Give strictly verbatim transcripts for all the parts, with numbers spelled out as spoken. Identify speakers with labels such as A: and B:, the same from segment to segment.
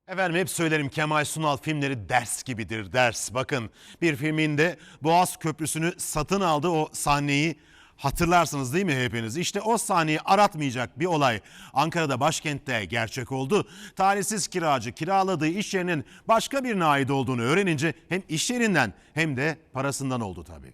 A: Efendim hep söylerim, Kemal Sunal filmleri ders gibidir, ders. Bakın, bir filminde Boğaz Köprüsü'nü satın aldı, o sahneyi hatırlarsınız değil mi hepiniz? İşte o sahneyi aratmayacak bir olay Ankara'da, başkentte gerçek oldu. Talihsiz kiracı kiraladığı iş yerinin başka birine ait olduğunu öğrenince hem iş yerinden hem de parasından oldu tabii.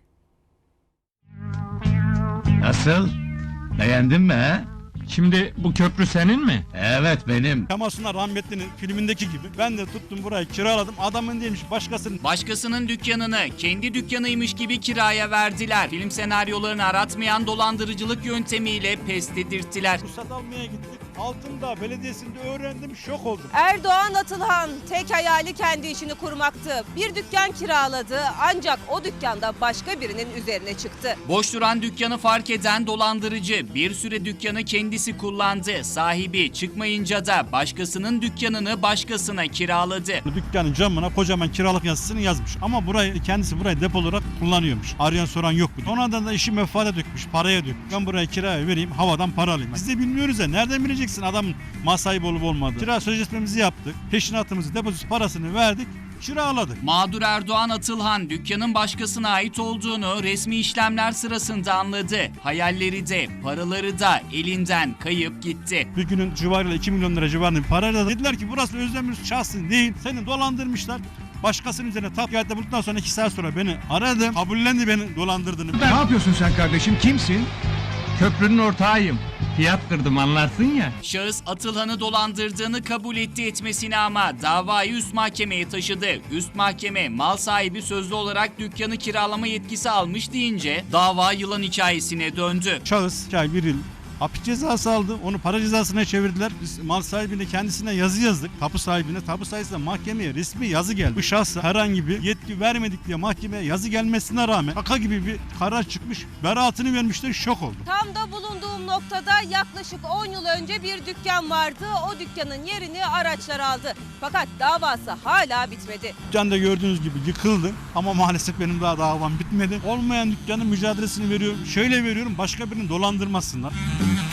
B: Nasıl? Beğendin mi he?
C: Şimdi bu köprü senin mi?
B: Evet benim.
D: Kemal Sunal rahmetlinin filmindeki gibi ben de tuttum burayı kiraladım. Adamın değilmiş, başkasının.
E: Başkasının dükkanını kendi dükkanıymış gibi kiraya verdiler. Film senaryolarını aratmayan dolandırıcılık yöntemiyle pes dedirttiler.
D: Ruhsat almaya gittik. Altındağ Belediyesi'nde öğrendim, şok oldum.
F: Erdoğan Atılhan tek hayali kendi işini kurmaktı. Bir dükkan kiraladı ancak o dükkanda başka birinin üzerine çıktı.
E: Boş duran dükkanı fark eden dolandırıcı bir süre dükkanı kendisi kullandı. Sahibi çıkmayınca da başkasının dükkanını başkasına kiraladı.
D: Dükkanın camına kocaman kiralık yazısını yazmış. Ama burayı kendisi burayı depo olarak kullanıyormuş. Arayan soran yok. Sonradan da işi mefade dökmüş, paraya dökmüş. Ben burayı kiraya vereyim, havadan para alayım. Biz de bilmiyoruz ya, nereden bileceksin adamın mal sahibi olup olmadığı. Kira sözleşmemizi yaptık, peşinatımızı, depozit parasını verdik, kiraladık.
E: Mağdur Erdoğan Atılhan dükkanın başkasına ait olduğunu resmi işlemler sırasında anladı. Hayalleri de paraları da elinden kayıp gitti.
D: Bir günün civarıyla iki milyon lira civarında bir parayla dediler ki burası Özdemir şahsın değil. Seni dolandırmışlar. Başkasının üzerine tapkiyette bulduktan sonra iki saat sonra beni aradı. Kabullendi beni dolandırdığını.
B: Ne yapıyorsun sen kardeşim? Kimsin? Köprünün ortağıyım. Fiyat kırdım anlarsın ya.
E: Şahıs Atılhan'ı dolandırdığını kabul etti etmesine ama davayı üst mahkemeye taşıdı. Üst mahkeme mal sahibi sözlü olarak dükkanı kiralama yetkisi almış deyince dava yılan hikayesine döndü.
D: Şahıs iki ay bir yıl hapis cezası aldı. Onu para cezasına çevirdiler. Biz mal sahibine kendisine yazı yazdık. Tapu sahibine. Tapu sahibine mahkemeye resmi yazı geldi. Bu şahsa herhangi bir yetki vermedik diye mahkemeye yazı gelmesine rağmen şaka gibi bir karar çıkmış. Beraatını vermişler, şok oldum.
F: Tam da bulunduğum noktada yaklaşık on yıl önce bir dükkan vardı. O dükkanın yerini araçlar aldı. Fakat davası hala bitmedi.
D: Dükkanda gördüğünüz gibi yıkıldı. Ama maalesef benim daha davam bitmedi. Olmayan dükkanın mücadelesini veriyorum. Şöyle veriyorum, başka birini dolandırmasınlar.